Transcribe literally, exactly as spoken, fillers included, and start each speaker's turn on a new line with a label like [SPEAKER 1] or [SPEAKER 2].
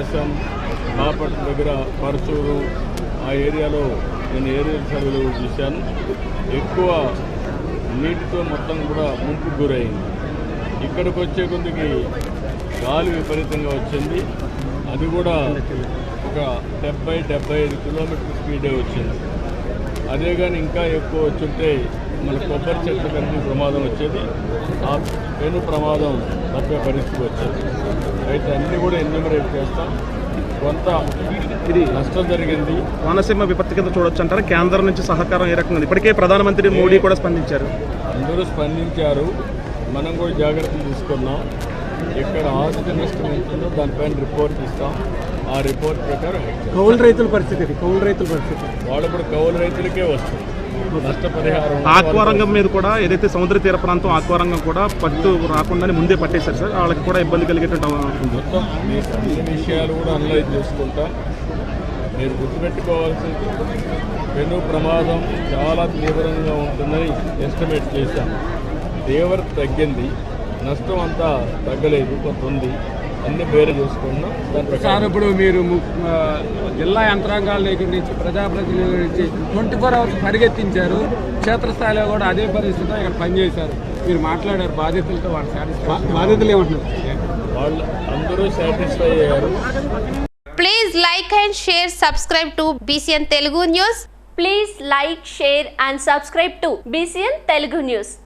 [SPEAKER 1] ప్రకాశం బాపట్ల దగ్గర పరచూరు ఆ ఏరియాలో నేను ఏరియల్ సర్వేలు చూశాను. ఎక్కువ నీటితో మొత్తం కూడా ముంపుకు గురైంది. ఇక్కడికి వచ్చే కొద్దికి గాలి విపరీతంగా వచ్చింది. అది కూడా ఒక డెబ్బై డెబ్బై ఐదు కిలోమీటర్ స్పీడే వచ్చింది. అదే కానీ ఇంకా ఎక్కువ వచ్చుంటే మన కొబ్బరి చెట్ల కలిసి ప్రమాదం వచ్చేది. ఆ పెను ప్రమాదం తప్పే పరిస్థితి వచ్చేది. అయితే అన్నీ కూడా ఎన్యూమరేట్ చేస్తాం. కొంత ఇది నష్టం జరిగింది.
[SPEAKER 2] కోనసీమ విపత్తి కింద చూడొచ్చు అంటారు. కేంద్రం నుంచి సహకారం ఏ రకంగా? ఇప్పటికే ప్రధానమంత్రి మోడీ కూడా స్పందించారు.
[SPEAKER 1] అందరూ స్పందించారు. మనం కూడా జాగ్రత్తలు తీసుకున్నాం. ఎక్కడ ఆస్తి నష్టం ఉంటుందో దానిపైన రిపోర్ట్ ఇస్తాం. ఆ రిపోర్ట్ ప్రకారం
[SPEAKER 3] కౌలు రైతుల పరిస్థితి కౌలు రైతుల పరిస్థితి
[SPEAKER 1] వాళ్ళు కూడా కౌలు రైతులకే వస్తుంది నష్టపరిహారం.
[SPEAKER 2] ఆక్వారంగం మీద కూడా ఏదైతే సముద్ర తీర ప్రాంతం ఆక్వారంగం కూడా పట్టు రాకుండా ముందే పట్టేశారు సార్. వాళ్ళకి కూడా ఇబ్బంది కలిగేటువంటి
[SPEAKER 1] మొత్తం మీకు అన్ని విషయాలు కూడా అనలైజ్ చేసుకుంటాం. మీరు గుర్తుపెట్టుకోవాల్సింది పెను ప్రమాదం చాలా తీవ్రంగా ఉంటుందని ఎస్టిమేట్ చేశాం. తీవ్రత తగ్గింది, నష్టం అంతా తగ్గలేదు, కొంత ఉంది. అన్ని వేరే చేసుకున్నాం. దాని
[SPEAKER 3] సార్ ఇప్పుడు మీరు జిల్లా యంత్రాంగాల దగ్గర నుంచి ప్రజాప్రతినిధుల నుంచి ట్వంటీ ఫోర్ అవర్స్ పరిగెత్తించారు. క్షేత్రస్థాయిలో కూడా అదే పరిస్థితిలో ఇక్కడ పనిచేశారు. మీరు మాట్లాడారు బాధితులతో, వాళ్ళు సాటిస్ఫై బాధితులు ఏమంటున్నారు?
[SPEAKER 1] వాళ్ళు అందరూ సాటిస్ఫై అయ్యారు.
[SPEAKER 4] Please like and share subscribe to BCN Telugu news.
[SPEAKER 5] Please like, share and subscribe to B C N Telugu News.